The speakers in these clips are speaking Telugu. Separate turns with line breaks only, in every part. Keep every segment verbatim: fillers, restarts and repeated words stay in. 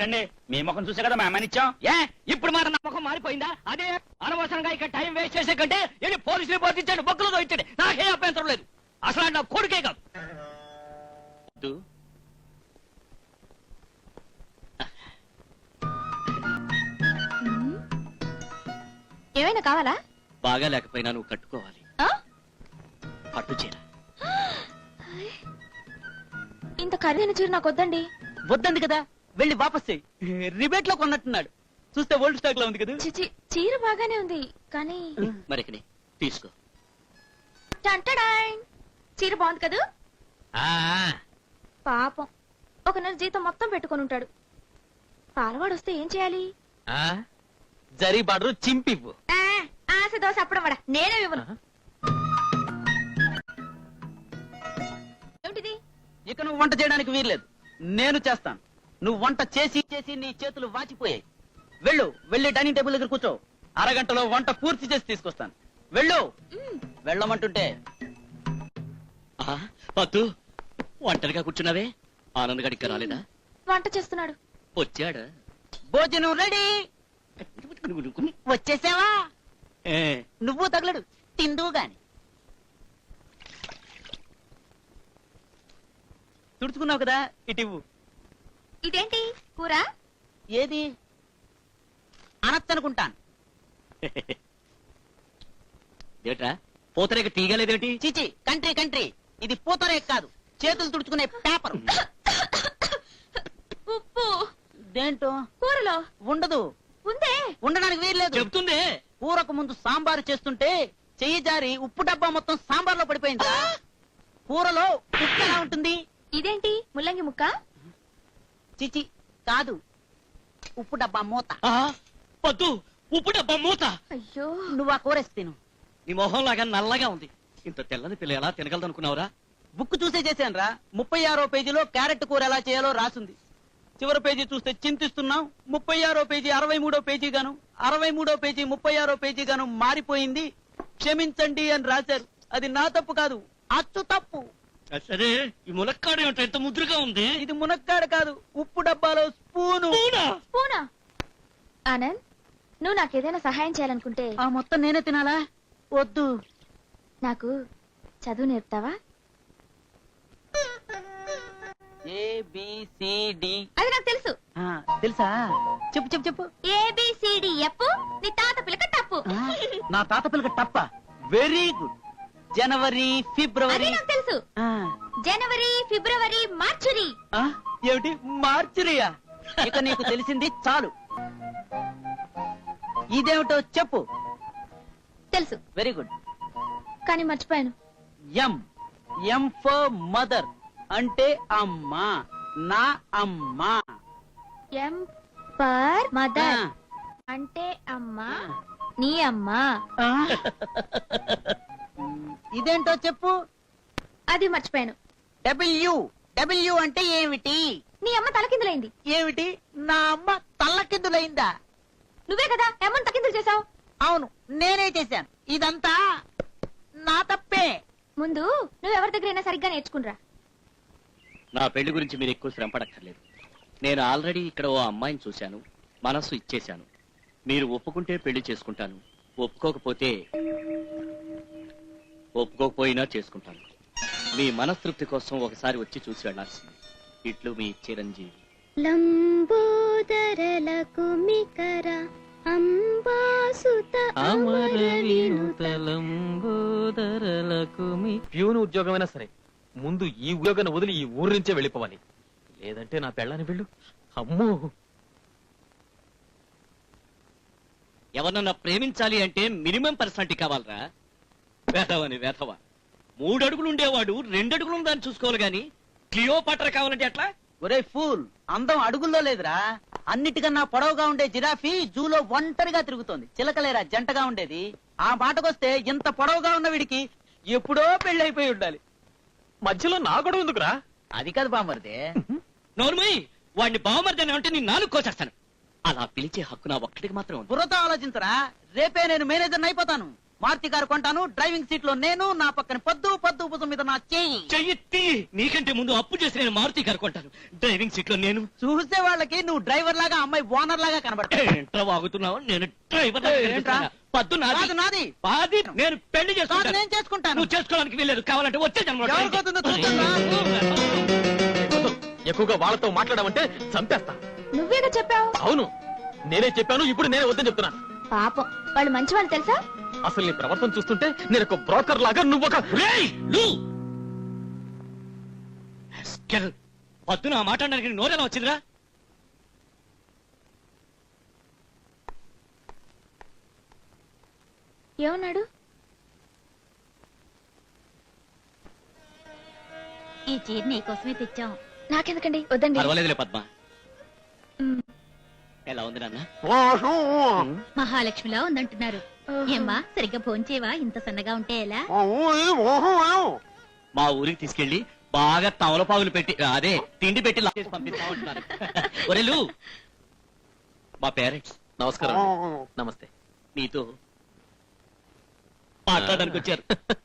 ఎందుకండి మీ ముఖం చూసే కదా మా అమ్మనిచ్చాం.
ఏ ఇప్పుడు మన నమ్మకం మారిపోయిందా? అదే అనవసరంగా ఇక్కడ టైం వేస్ట్ చేసే కంటే వెళ్ళి పోలీసు రిపోర్ట్ ఇచ్చాడు, బొక్కలతో ఇచ్చాడు, నాకే అభ్యంతరం లేదు. అసలు నా కొడుకే కాదు.
ఏమైనా కావాలా?
బాగా లేకపోయినా నువ్వు కట్టుకోవాలి పట్టు చీర.
ఇంత ఖరీదైన చీర నాకు వద్దండి.
వద్దంది కదా, వెళ్ళి వాపస్ చెయ్యి. రిబేట్ లో కొన్నట్టున్నాడు, చూస్తే ఓల్డ్ స్టాక్ లో ఉంది కదా.
చిచి, చీర బాగానే ఉంది కానీ
మరి తీసుకో.
టంటడాయ్, చీర బాగుంది కదా. పాపం ఒక నెల జీతం మొత్తం పెట్టుకొని ఉంటాడు. పాలవాడు వస్తే ఏం చేయాలి?
జరీ బార్డరు చింపివ్వు.
ఆ, ఆశ దోశ అప్పడం వడ నేనే ఇవ్వను. ఏమిటిది?
ఇక నువ్వు వంట చేయడానికి వీల్లేదు, నేను చేస్తాను. నువ్వు వంట చేసి చేసి నీ చేతులు వాచిపోయాయి. వెళ్ళు, వెళ్ళి డైనింగ్ టేబుల్ దగ్గర కూర్చో. అరగంటలో వంట పూర్తి చేసి తీసుకొస్తాను. వెళ్ళు. వెళ్ళమంటుంటే పత్తు ఒంటరిగా కూర్చున్నావే, ఆనంద్ గడికి రాలేదా?
వంట చేస్తున్నాడు.
వచ్చాడా? భోజనం రెడీ. వచ్చేసావా? నువ్వు తగలడు, తిందువు గాని. తుడుచుకున్నావు కదా, ఇటివ్వు.
ఇదేంటి కూర?
ఏది అనొచ్చనుకుంటాను. ఏట్రా పూతరేక తీయగలేదేమిటి? చిచి, కంట్రీ కంట్రీ, ఇది పూతరేక కాదు, చేతులు తుడుచుకునే పేపర్.
ఉప్పు
దేంటో
కూరలో
ఉండదు.
ఉందే,
ఉండడానికి వీల్లేదు. చెప్తుంది. కూరకు ముందు సాంబారు చేస్తుంటే చెయ్యి జారి ఉప్పు డబ్బా మొత్తం సాంబార్లో పడిపోయిందా? కూరలో ఉప్పు ఎలా ఉంటుంది?
ఇదేంటి ముల్లంగి ముక్క?
చిచి కాదు, ఉప్పు డబ్బా మూత. పద్దు, ఉప్పు డబ్బా మూత.
అయ్యో,
నువ్వు ఆ కూరేసి తిను. నీ మొహం లాగా నల్లగా ఉంది. ఇంత తెల్లని పిల్ల ఎలా తినగలదనుకున్నావురా? బుక్ చూసే చేశాను రా. ముప్పై ఆరో పేజీలో క్యారెట్ కూర ఎలా చేయాలో రాసుంది. చివరి పేజీ చూస్తే చింతిస్తున్నాం. ముప్పై ఆరో పేజీ అరవై మూడో పేజీ గాను, అరవై మూడో పేజీ ముప్పై ఆరో పేజీ గాను మారిపోయింది. క్షమించండి అని రాశారు. అది నా తప్పు కాదు, అచ్చు తప్పు.
సరే, ఈ మునక్కాడ ఎంత ముద్రగా ఉంది.
ఇది మునక్కాడ కాదు, ఉప్పు డబ్బాలో స్పూను.
పూనా? ఆనంద్, నువ్వు నాకేదైనా సహాయం చేయాలనుకుంటే
ఆ మొత్తం నేనే తినాలా? వద్దు.
నాకు చదువు నేర్పుతావా?
ఏబిసిడి.
అది నాకు తెలుసు.
తెలుసా? చెప్పు చెప్పు చెప్పు.
ఏబిసిడి ఎప్పు, నీ తాత పిల్లక టప్పు.
నా తాత పిల్లక టప్ప. Very good. జనవరి ఫిబ్రవరి.
నాకు తెలుసు. జనవరి ఫిబ్రవరి మార్చురి.
ఏమిటి మార్చురియా? ఇక నీకు తెలిసింది చాలు. ఇదేమిటో చెప్పు.
తెలుసు.
Very good.
కానీ మర్చిపోయాను.
ఎం ఎం ఫర్ మదర్ అంటే అమ్మా. నా అమ్మా.
ఎం ఫర్ మదర్ అంటే అమ్మా, నీ అమ్మా.
ఇదేంటో చెప్పు.
అది మర్చిపోయాను.
డబ్ల్యూ డబ్ల్యూ అంటే ఏమిటి?
నీ అమ్మ తలకిందులైంది.
ఏమిటి? నా అమ్మ తల్లకిందులైందా?
నువ్వే కదా అమ్మని తలకిందులు చేసావు.
అవును, నేనే చేశాను. ఇదంతా నా తప్పే.
ముందు నువ్వెవరి దగ్గరైనా సరిగ్గా నేర్చుకునిరా.
నా పెళ్లి గురించి మీరు ఎక్కువ శ్రమ పడక్కర్లేదు. నేను ఆల్రెడీ ఇక్కడ ఓ అమ్మాయిని చూశాను, మనస్సు ఇచ్చేశాను. మీరు ఒప్పుకుంటే పెళ్లి చేసుకుంటాను, ఒప్పుకోకపోతే ఒప్పుకోకపోయినా చేసుకుంటాను. మీ మనస్తృప్తి కోసం ఒకసారి వచ్చి చూసి వెళ్లాల్సింది. ఇట్లు మీ చిరంజీవి.
లంబోదరలకు మికర అంబాసుత అమర వినుత.
ప్యూన్ ఉద్యోగమైనా సరే ముందు ఈ ఉద్యోగాన్ని వదిలి ఈ ఊరు నుంచే వెళ్ళిపోవాలి, లేదంటే నా పెళ్ళాన్ని వెళ్ళు. అమ్మో,
ఎవరన్నా ప్రేమించాలి అంటే మినిమం పర్సనాలిటీ కావాలరా. వేధవని వేధవ. మూడు అడుగులు ఉండేవాడు రెండు అడుగులు దాన్ని చూసుకోవాలి గాని క్లియోపాట్రా కావాలంటే ఎట్లా?
ఒరే ఫూల్, అందం అడుగుల్లో లేదురా. అన్నిటికన్నా పొడవుగా ఉండే జిరాఫీ జూలో ఒంటరిగా తిరుగుతోంది. చిలకలేరా జంటగా ఉండేది. ఆ మాటకొస్తే ఇంత పొడవుగా ఉన్న వీడికి ఎప్పుడో పెళ్లి ఉండాలి.
మధ్యలో నా గొడవ ఎందుకురా?
అది కాదు బామర్దే.
నోర్మయ్, వాడిని బావమర్దని అంటే నీ నాలుగు కోసేస్తాను. అలా పిలిచే హక్కు నా ఒక్కడికి మాత్రం ఉంది.
బుర్రతో ఆలోచించరా. రేపే నేను మేనేజర్ అయిపోతాను. మారుతి కారు కొంటాను, డ్రైవింగ్ సీట్ లో నేను, నా పక్కన పొద్దు పొద్దు భుజం మీద నా చెయ్యి.
చెయ్యి నీకంటే ముందు అప్పు చేసి నేను మారుతి గారు కొంటాను. డ్రైవింగ్ సీట్ లో నేను.
చూసే వాళ్ళకి నువ్వు డ్రైవర్ లాగా, అమ్మాయి ఓనర్ లాగా కనబడతావు.
ఏంట్రా వాగుతున్నావు? నేను డ్రైవర్
ఏంట్రా?
పద్దు నాది.
కాదు నాది.
పాది నేను పెళ్లి
కాదు
చేసుకుంటాను.
నేను చేసుకుంటాను.
నువ్వు చేసుకోవడానికి వెళ్ళలేదు. కావాలంటే వచ్చే జన్మలో try
ఎవరికి అవుతుందో చూద్దాంరా.
వద్దు. ఎక్కువగా వాళ్ళతో మాట్లాడమంటే చంపేస్తా.
నువ్వేగా చెప్పావు.
అవును, నేనే చెప్పాను. ఇప్పుడు నేనే వద్దని చెప్తున్నాను.
పాపం వాళ్ళు మంచి వాళ్ళు తెలుసా.
అసలు నీ ప్రవర్తన చూస్తుంటే నేను ఒక బ్రోకర్ లాగా, నువ్వు ఒక
రేయ్, లూ! Rascal! పద్దున ఆ మాట్లాడడానికి నోరేలా వచ్చిందిరా?
ఏమన్నాడు.
ఈ చీర నీకోసమే తెచ్చాం.
నాకెందుకండి, వద్దండి.
పర్వాలేదులే పద్మ.
మ్,
ఎలా ఉంది నాన్న?
మహాలక్ష్మిలా ఉందంటున్నారు.
ఓహో.
ఏమ్మా సరిగ్గా భోంచేవా? ఇంత సన్నగా ఉంటే ఎలా?
మా ఊరికి తీసుకెళ్లి బాగా తమలపాగులు పెట్టి అదే తిండి పెట్టి లాక్ చేసి పంపిస్తామంటున్నారు. ఒరేలు, మా పేరెంట్స్
నమస్కారం అండి. నమస్తే.
నీతో మాట్లాడడానికి వచ్చారు.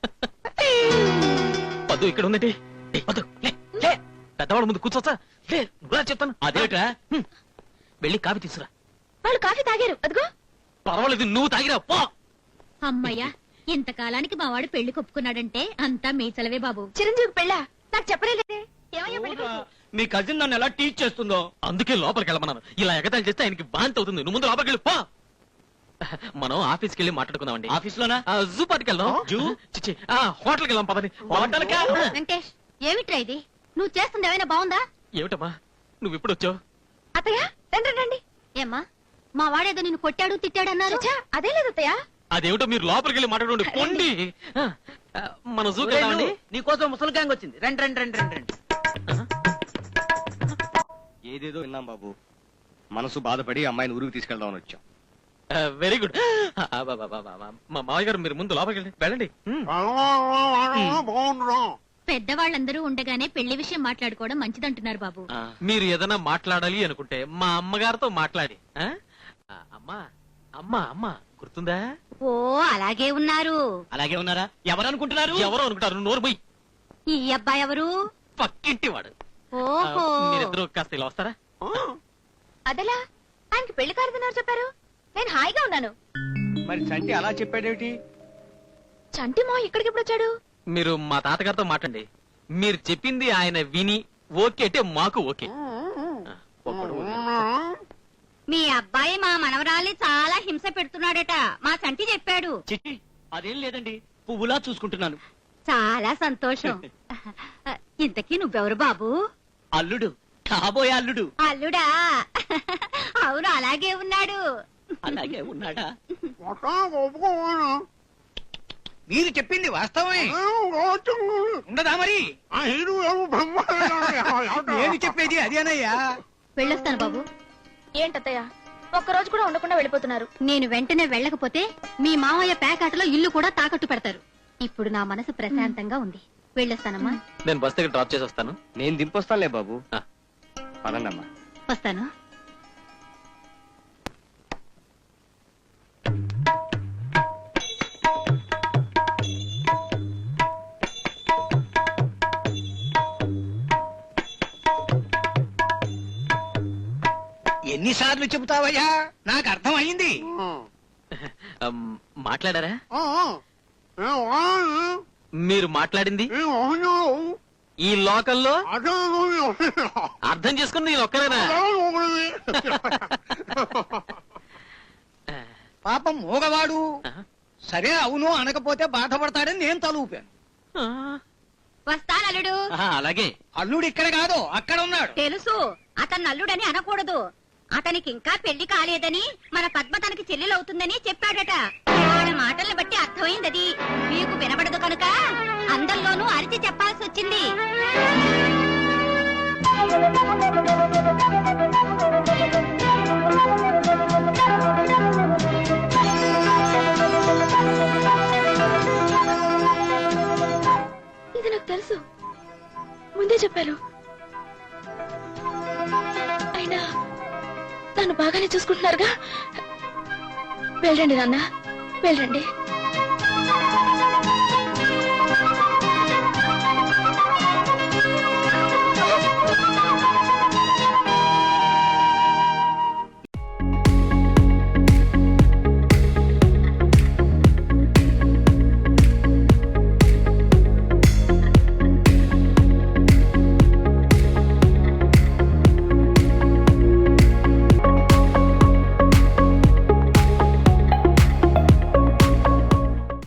పద్దు ఇక్కడ ఉందండి. ఏయ్, పద్దు, లే, లే. పెద్దవాళ్ళ ముందు కూర్చోచ్చా? లే, నువ్వురా చెప్తాను.
అదేట్రా?
హ్మ్. వెళ్ళి కాఫీ తీసుకురా.
వాళ్ళు కాఫీ తాగారు, అదిగో.
పర్వాలేదు, నువ్వు తాగిరా పో.
అమ్మయ్యా, ఇంతకాలానికి మా వాడు పెళ్లి కొప్పుకున్నాడంటే అంతా మీ చలవే బాబు.
చిరంజీవి పెళ్ళా? నాకు చెప్పలేదే. ఏమయ్యా పెళ్లి కొడుకు?
మీ కజిన్ నన్ను ఎలా టీచ్ చేస్తుందో.
అందుకే లోపలికి వెళ్ళమన్నాను. ఇలా ఎగతాళి చేస్తే ఆయనకి బాంతి అవుతుంది. నువ్వు ముందు లోపలికి వెళ్ళి పో. మనం ఆఫీస్కి వెళ్ళి మాట్లాడుకుందామండి.
ఆఫీస్ లోనా?
ఆ, జూ పార్టీకి వెళ్దాం.
జూ?
చిచ్చి, ఆ, హోటల్కి వెళ్దాం పదండి.
హోటల్కా?
వెంకటేష్, ఏమిట్రా ఇది? నువ్వు చేస్తుంది ఏమైనా బాగుందా?
ఏమిటమ్మా నువ్వు ఇప్పుడు వచ్చావు?
అత్తయ్య రండి రండి.
ఏమ్మా, మా వాడేదో నిన్ను కొట్టాడు తిట్టాడు అన్నారు.
చచ్చా, అదే లేదు అత్తయ్య.
అదేమిటో మీరు లోపలికి వెళ్ళి మాట్లాడండి. పొండి. ఆ, ఆ, మన జూకి
ఒరేయ్,
వెళ్దామండి.
నువ్వు, నీకోసం ముసలి గ్యాంగ్ వచ్చింది. రండి రండి రండి రండి రండి.
ఏదేదో విన్నాం బాబు. మనసు బాధపడి అమ్మాయిని ఊరికి తీసుకెళ్దామని వచ్చాం.
Very good. మా మావయ్య గారు మీరు ముందు లోపలికి వెళ్ళండి. వెళ్ళండి. హ్మ్.
పెద్దవాళ్ళందరూ ఉండగానే పెళ్లి విషయం మాట్లాడుకోవడం మంచిదంటున్నారు బాబు.
ఆ,
మీరు ఏదైనా మాట్లాడాలి అనుకుంటే మా అమ్మగారితో మాట్లాడి. ఆ? ఆ, అమ్మా అమ్మా అమ్మా గుర్తుందా?
ఓ అలాగే ఉన్నారు.
అలాగే ఉన్నారా? ఎవరు అనుకుంటున్నారు?
ఎవరో అనుకుంటారు. నోరు పోయి.
ఈ అబ్బాయి ఎవరు?
పక్కింటి వాడు. ఆ,
ఓహో,
మీరిద్దరూ కాస్త ఇలా వస్తారా?
అదెలా? ఆయనకి పెళ్లి కారుతున్నారు చెప్పారు. నేను హాయిగా ఉన్నాను.
మరి చంటి అలా చెప్పాడేమిటి?
చంటి మా ఇక్కడికి ఎప్పుడు వచ్చాడు?
మీరు మా తాతగారితో మాట్లాడండి. మీరు చెప్పింది ఆయన విని ఓకే అంటే మాకు ఓకే. ఆ, ఒక్కడు ఓకే.
మీ అబ్బాయి మా మనవరాల్ని చాలా హింస పెడుతున్నాడట. మా సంటి చెప్పాడు.
చిట్టి, అదేం లేదండి. పువ్వులా చూసుకుంటున్నాను.
చాలా సంతోషం. ఇంతకీ నువ్వెవరు బాబు?
అల్లుడు, కాబోయే అల్లుడు.
అల్లుడా? అవును, అలాగే ఉన్నాడు.
అలాగే ఉన్నాడా?
మీరు చెప్పింది వాస్తవమే. ఉండదా మరి? నేను చెప్పేది అదేనయ్యా.
వెళ్ళొస్తాను బాబు.
ఏంటత్తయ్య, ఒక్కరోజు కూడా ఉండకుండా వెళ్ళిపోతున్నారు.
నేను వెంటనే వెళ్ళకపోతే మీ మావయ్య పేకాటలో ఇల్లు కూడా తాకట్టు పెడతారు. ఇప్పుడు నా మనసు ప్రశాంతంగా ఉంది. వెళ్ళొస్తానమ్మా.
నేను బస్ దగ్గర డ్రాప్ చేసి వస్తాను.
నేను దింపొస్తానులే బాబు.
ఆ.
పదండమ్మా.
వస్తాను.
ఎన్నిసార్లు చెబుతావయ్యా? నాకు అర్థం అయింది.
అమ్, మాట్లాడారా? మీరు మాట్లాడింది ఈ లోకల్లో అర్థం చేసుకుని నేను ఒక్కరేనా?
పాపం మూగవాడు.
ఆ?
సరే అవును అనకపోతే బాధపడతాడని నేను తలూపాను.
ఆ.
వస్తాను అల్లుడు.
ఆహా, అలాగే.
అల్లుడు ఇక్కడ కాదు, అక్కడ ఉన్నాడు.
తెలుసు, అతను అల్లుడని అనకూడదు. అతనికి ఇంకా పెళ్లి కాలేదని, మన పద్మ తనకి చెల్లెలవుతుందని చెప్పాడట. వాళ్ళ మాటల్ని బట్టి అర్థమైంది అది. మీకు వినబడదు కనుక అందరిలోనూ అరిచి చెప్పాల్సి వచ్చింది.
ఇది నాకు తెలుసు, ముందే చెప్పారు. అయినా నన్ను బాగానే చూసుకుంటున్నారుగా. వెళ్ళండి నాన్న, వెళ్ళండి.